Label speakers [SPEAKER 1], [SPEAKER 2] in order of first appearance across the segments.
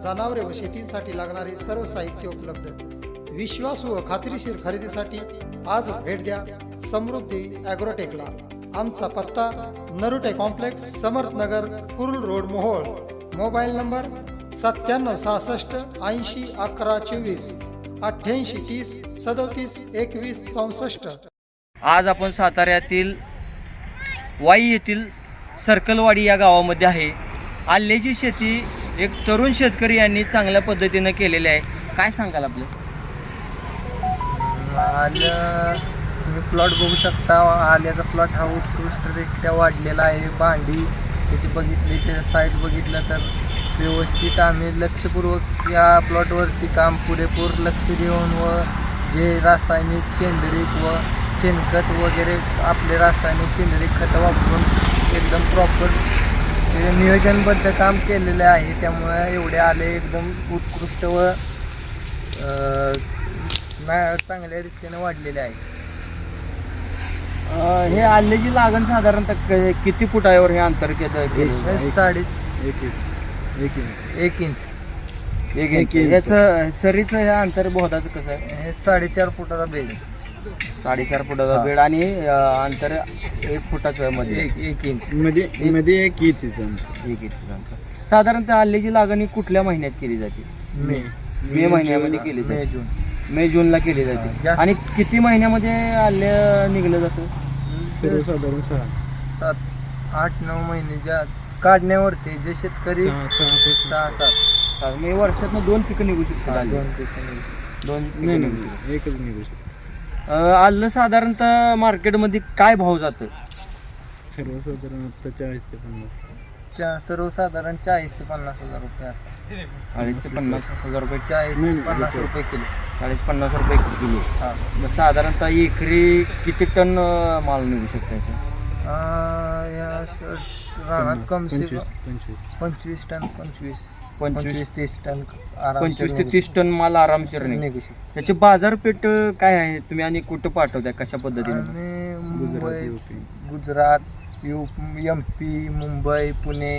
[SPEAKER 1] जनावरे व शेतीसाठी लागणारे सर्व साहित्य उपलब्ध। विश्वास व खात्रीशीर खरेदीसाठी आजच भेट द्या समृद्धी ॲग्रोटेकला। आमचा पत्ता Narute complex, Samarthnagar, Kurul road, Mohol. Mobile number 9766 80 11 24 88 30 37 21 64।
[SPEAKER 2] आज आपण साताऱ्यातील वाई येथील सर्कलवाडी या गावामध्ये आहे। आल्याची शेती एक तरुण शेतकरी यांनी चांगल्या पद्धतीने केलेली आहे। काय सांगाल आपलं?
[SPEAKER 3] आलं तुम्ही प्लॉट बघू शकता। आल्याचा प्लॉट हा उत्कृष्टरित्या वाढलेला आहे। भांडी त्याची बघितली, त्याचा साईज बघितलं तर व्यवस्थित आम्ही लक्षपूर्वक या प्लॉटवरती काम पुरेपूर लक्ष देऊन व जे रासायनिक, सेंद्रिय व शेणखत वगैरे आपले रासायनिक सेंद्रिय खतं वापरून एकदम प्रॉपर नियोजनबद्ध काम केलेले आहे। त्यामुळे एवढे आले एकदम उत्कृष्ट व चांगल्या रीतीने वाढलेले आहे।
[SPEAKER 2] हे आल्याची लागण साधारणतः किती फुटावर हे अंतर केलं? 1 इंच। याचं सरीचं हे अंतर बोधाचं कसं आहे?
[SPEAKER 3] हे 4.5 फुटाचा बेड,
[SPEAKER 2] 4.5 फुटाचा बेड आणि अंतर 1 फुटाचं मध्ये
[SPEAKER 3] 1 इंच
[SPEAKER 4] मध्ये 1 इंच
[SPEAKER 2] अंतर। साधारणतः आल्याची लागण ही कुठल्या महिन्यात केली जाते? मे महिन्यामध्ये केली जाते। मे जूनला केली जाते। आणि किती महिन्यामध्ये आल्या निघलं जातं?
[SPEAKER 4] सर्वसाधारण
[SPEAKER 3] 7-8-9 महिने ज्या काढण्यावरती जे शेतकरी 6-7
[SPEAKER 2] म्हणजे वर्षातनं 2 पिकं निघू शकतात।
[SPEAKER 3] 2 पिकं निघू शकतात।
[SPEAKER 2] 2 पिकं निघू शकतात।
[SPEAKER 4] एकच निघू शकतो।
[SPEAKER 2] आलं साधारणतः मार्केटमध्ये काय भाव जातं?
[SPEAKER 4] सर्वसाधारण आता 40 ते 50।
[SPEAKER 3] सर्वसाधारण 40 ते 50 हजार रुपये।
[SPEAKER 2] 40 ते 50 हजार रुपये।
[SPEAKER 3] 40-50 रुपये किलो।
[SPEAKER 2] 40-50 रुपये किलो।
[SPEAKER 3] हां,
[SPEAKER 2] मग साधारणतः एकरी किती टन माल निघू शकतो याचा?
[SPEAKER 3] या रानात कम से
[SPEAKER 4] 25
[SPEAKER 3] टन 25-30 टन
[SPEAKER 2] 25 ते 30 टन माल आरामशीर
[SPEAKER 3] निघू शकतो।
[SPEAKER 2] त्याची बाजारपेठ काय आहे? तुम्ही आणि कुठं पाठवताय, कशा पद्धतीने?
[SPEAKER 3] आणि मुंबई, गुजरात, MP, मुंबई, पुणे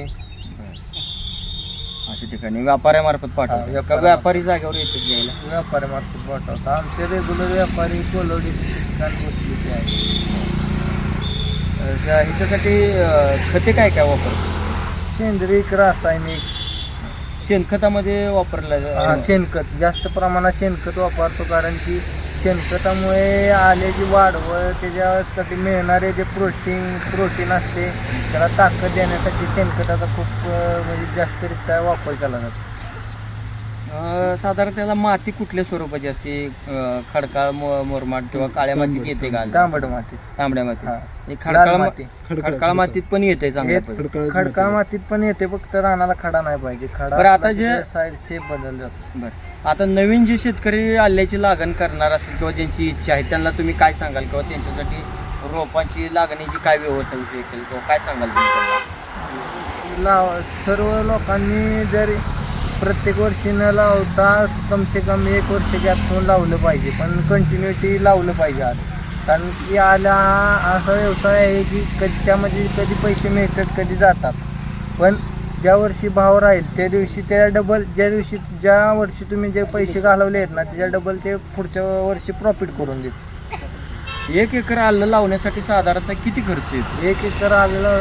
[SPEAKER 2] अशा ठिकाणी व्यापाऱ्यामार्फत पाठवतात का व्यापारी जागेवर येतात घ्यायला?
[SPEAKER 3] व्यापाऱ्यामार्फत पाठवतात। आमचे रेग्युलर व्यापारी कोलवडी बसलेले आहेत।
[SPEAKER 2] ह्याच्यासाठी खते काय काय वापरतात?
[SPEAKER 3] सेंद्रिय, रासायनिक।
[SPEAKER 2] शेणखतामध्ये वापरलं
[SPEAKER 3] शेणखत जास्त प्रमाणात शेणखत वापरतो, कारण की शेणखतामुळे आल्याची वाढ व त्याच्यासाठी मिळणारे जे प्रोटीन असते त्याला ताकद देण्यासाठी शेणखताचा खूप म्हणजे जास्तरित्या वापर केला जातो।
[SPEAKER 2] साधारण त्याला माती कुठल्या स्वरूपाची असते? खडकाळ, मुरमाड किंवा काळ्या मातीत येते का?
[SPEAKER 3] तांबड मातीत,
[SPEAKER 2] तांबड्या मातीत, खडकाळ मातीत पण येते चांगल्या?
[SPEAKER 3] खडकाळ मातीत पण येते, फक्त रानाला खडा नाही पाहिजे। खडा
[SPEAKER 2] आता जे
[SPEAKER 3] साईड शेप बदल जातो।
[SPEAKER 2] बरं, आता नवीन जे शेतकरी आल्याची लागण करणार असेल किंवा ज्यांची इच्छा आहे त्यांना तुम्ही काय सांगाल? किंवा त्यांच्यासाठी रोपांची लागणीची काय व्यवस्था होऊ शकेल किंवा काय सांगाल तुम्ही त्यांना?
[SPEAKER 3] सर्व लोकांनी जर प्रत्येक वर्षी न लावता कम से कम 1 वर्ष गॅप ठेवून लावलं पाहिजे, पण कंटिन्युटी लावलं पाहिजे आज। कारण की आला हा असा व्यवसाय आहे की त्यामध्ये कधी पैसे मिळतात, कधी जातात, पण ज्या वर्षी भाव राहील त्या दिवशी त्या डबल, ज्या वर्षी तुम्ही जे पैसे घालवले आहेत ना त्याच्या डबल ते पुढच्या वर्षी प्रॉफिट करून देत।
[SPEAKER 2] 1 एकर आलं लावण्यासाठी साधारणतः किती खर्च येतो?
[SPEAKER 3] 1 एकर आलेला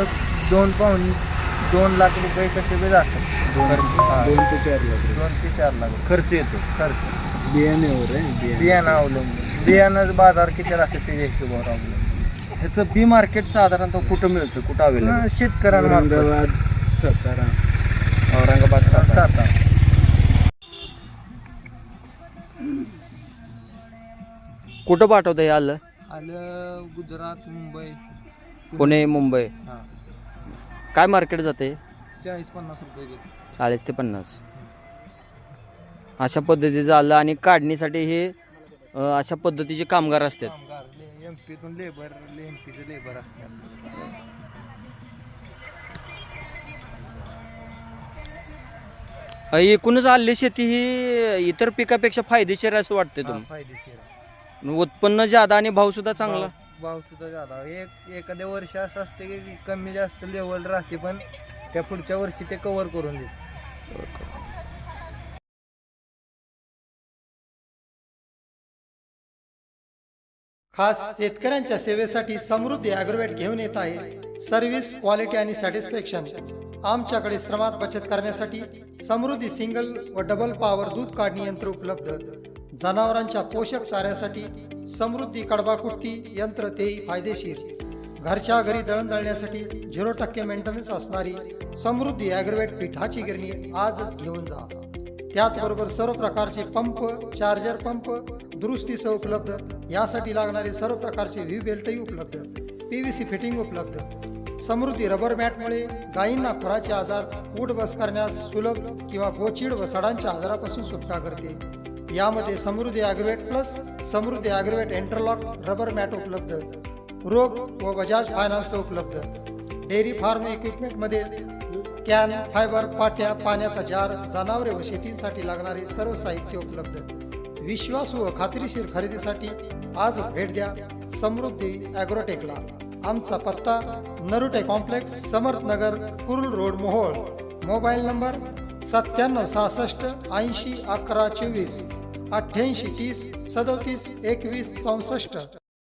[SPEAKER 3] 2 लाख रुपये कसे बी जातात।
[SPEAKER 4] 2 ते 4 लाख
[SPEAKER 3] 2 ते 4 लाख
[SPEAKER 2] खर्च येतो।
[SPEAKER 4] बियाण्यावर आहे।
[SPEAKER 3] बियाणं अवलंबून, बियाणं बाजार किती राहते ते हिशोबावर अवलंबून।
[SPEAKER 2] ह्याचं बी मार्केट साधारणतः कुठं मिळतं, कुठं अवेलेबल?
[SPEAKER 3] शेतकऱ्यांना
[SPEAKER 4] औरंगाबाद, सातारा,
[SPEAKER 3] सातारा।
[SPEAKER 2] कुठं पाठवतं हे आलं?
[SPEAKER 3] आलं गुजरात, मुंबई,
[SPEAKER 2] पुणे, मुंबई।
[SPEAKER 3] हां,
[SPEAKER 2] काय मार्केट जाते?
[SPEAKER 3] 40-50 रुपये घेतो।
[SPEAKER 2] 40 ते 50 अशा पद्धतीचं आलं। आणि काढणीसाठी हे अशा पद्धतीचे कामगार असतात?
[SPEAKER 3] MP MPचे लेबर असतात।
[SPEAKER 2] एकूणच आले शेती ही इतर पिकापेक्षा फायदेशीर असं वाटते तुम्हाला?
[SPEAKER 3] फायदेशीर,
[SPEAKER 2] उत्पन्न ज्यादा आणि भाव सुद्धा चांगला?
[SPEAKER 3] भाव सुद्धा जादा। एखाद्या वर्षी असं असते की कमी जास्त लेवल राहते, पण त्या पुढच्या वर्षी ते कव्हर करून देते।
[SPEAKER 1] खास शेतकऱ्यांच्या सेवेसाठी समृद्धी ॲग्रोवेट घेऊन येत आहे सर्व्हिस, क्वालिटी आणि सॅटिस्फॅक्शन. आमच्याकडे श्रमात बचत करण्यासाठी समृद्धी सिंगल व डबल पॉवर दूध काढणी यंत्र उपलब्ध. जनावरांच्या पोषक चाऱ्यासाठी समृद्धी कडबाकुट्टी यंत्र, तेही फायदेशीर. घरच्या घरी दळण दळण्यासाठी 0% मेंटेनन्स असणारी समृद्धी ॲग्रोवेट पिठाची गिरणी आजच घेऊन जा. त्याचबरोबर सर्व प्रकारचे पंप, चार्जर पंप दुरुस्तीसह उपलब्ध. यासाठी लागणारे सर्व प्रकारचे व्ही बेल्टही उपलब्ध. PVC फिटिंग उपलब्ध. समृद्धी रबर मॅटमुळे गायींना खुराचे आजार, उठ बस करण्यास सुलभ किंवा गोचीड व सडांच्या आजारापासून सुटका करते. यामध्ये Samruddhi Agrovet plus Samruddhi Agrovet interlock rubber mat उपलब्ध. रोग व बजाज फायनान्स उपलब्ध. डेअरी फार्म इक्विपमेंटमध्ये कॅन, फायबर, पाट्या, पाण्याचा जार, जनावरे व शेतीसाठी लागणारे सर्व साहित्य उपलब्ध. विश्वासू व खात्रीशीर खरेदीसाठी आजच भेट द्या समृद्धी ॲग्रोटेकला. आमचा पत्ता Narute complex, Samarthnagar, Kurul road, Mohol. Mobile number 9766 80 11 24, 88 30 37 21 64.